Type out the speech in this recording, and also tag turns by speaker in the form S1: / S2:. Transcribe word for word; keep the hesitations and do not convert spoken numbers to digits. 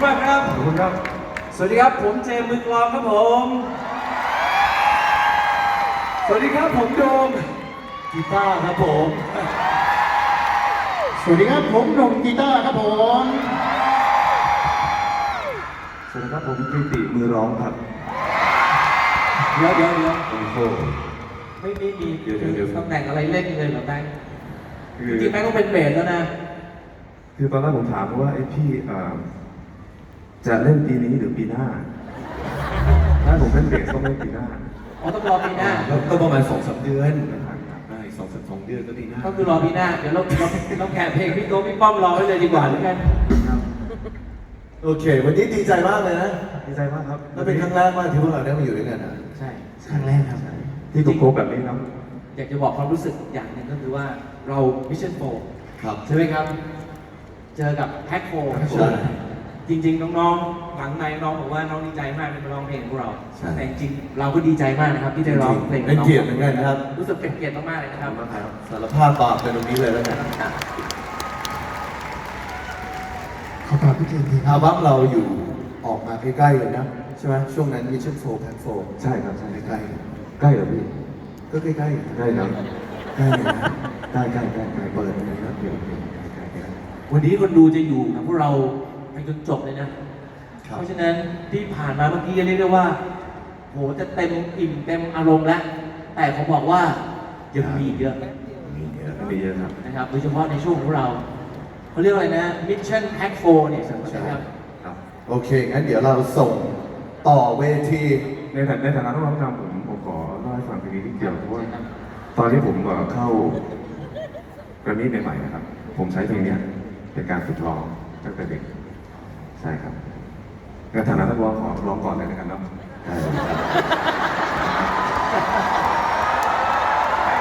S1: มากครับขอบคุณครับสวัสดีครับผมเจมส์มือกลองครับผมสวัสดีครับผมโดมกีตาร์ครับผม
S2: สวัสดีครับผมหนุ่มกีตาร์ครับผม
S3: สวัสดีครับผมกิติมือร้องครับ
S1: เดี๋ยวเดี๋ยวเดี๋ยว
S3: โอ้โห
S1: ไม่ไม่มี
S3: เดี๋ยวเดี๋ยวเดี๋ยว
S1: ตำแหน่งอะไรเล่นเลยเหรอแบงค์
S3: คือ
S1: จริงๆแบงค์ต้องเป็นเบสแล้วนะ
S3: คือตอนแรกผมถามว่าไอ้พี่เอ่อจะเล่นปีนี้หรือปีหน้า ถ้าผมเล่นเบสต้องเล่นปีหน้า
S1: อ๋อต้องรอปีหน้า
S4: ก็ประมาณสองสามเดือนได้สองสามสองเดือนก็ปีหน้า
S1: ก็คือรอปีหน้าเดี๋ยวเราเราเราแข่เพลงพี่โต๊ะพี่ป้อมรอไว้เลยดีกว่าแล้วกัน
S4: โอเค วันนี้ดีใจมากเลยนะ
S3: ดีใจมากครับ
S4: แล้วเป็นครั้งแรกมากที่พวกเราได้มาอยู่ด้วยกันอ่ะ
S1: ใช่ครั้งแรกครับ
S3: ที่ถูกโคแบบนี้ครับ
S1: อยากจะบอกความรู้สึกอย่างหนึ่งก็คือว่าเรามิชชั่นโฟ
S4: ครับ
S1: ใช่ไหมครับ เจอกับแพ็คโฟ
S4: ใช่
S1: จริงๆน้องๆหลังในน้องบอกว่าน้องดีใจมากที่มาร้องเพลงของเรา
S4: ใช่
S1: แต่จริงๆเราก็ดีใจมากนะครับที่ได้ร้องเพลง
S4: เป็นเกียรติเหมือนกันครับ
S1: รู้สึกเป็นเกียรติมากๆเลยนะครับ
S4: สารภาพบาปกันตรงนี้เลยแล้วกัน
S2: ขอกราบพี่เจมส์ทีค
S4: อั
S2: รั
S4: ล
S2: บ
S4: บั้มเราอยู่ออกมาใกล้ๆเลยนะใช่ไหมช่วงนั้น Mission โฟร์ Pack โฟร์
S3: ใช่ครับใช่
S4: ใกล้
S3: ใกล้เหรอพี่
S4: ๆก็ใกล้ๆ
S3: ใกล้ครับ
S4: ใกล้เลยนะ
S3: ใกล้ใกล้ใกล้ใกล้
S4: เปิดเลยนะเดี๋ยวเดี๋ยวใกล้ๆกัน
S1: วันนี้คนดูจะอยู่กับพวกเราไปจนจบเลยนะ
S4: ครับ
S1: เพราะฉะนั้นที่ผ่านมาเมื่อกี้เรียกได้ว่าโหจะเต็มอิ่มเต็มอารมณ์แล้ว แต่ผมบอกว่ายังมีอีกเยอะ
S3: มีเยอะมีเยอะครับ
S1: นะครับโดยเฉพาะในช่วงของเราเขาเรียกว่าอะไรนะ Mission Pack โฟร์เนี่ยนะครับ
S3: ครับ
S4: โอเค งั้นเดี๋ยวเราส่งต่อเวที
S3: ในฐานะในฐานะนักร้องนำผมผมขอเล่าให้ฟังทีนี้นิดเดียวเพราะว่าตอนที่ผมเอ่อเข้าแกรมมี่ใหม่ๆนะครับ ผมใช้เพลงเนี้ยเป็นการฝึกร้องตั้งแต่เด็ก ใช่ครับในฐานะนักร้องขอร้องก่อนเลยนะครับเนาะ
S4: ได้เลยครับ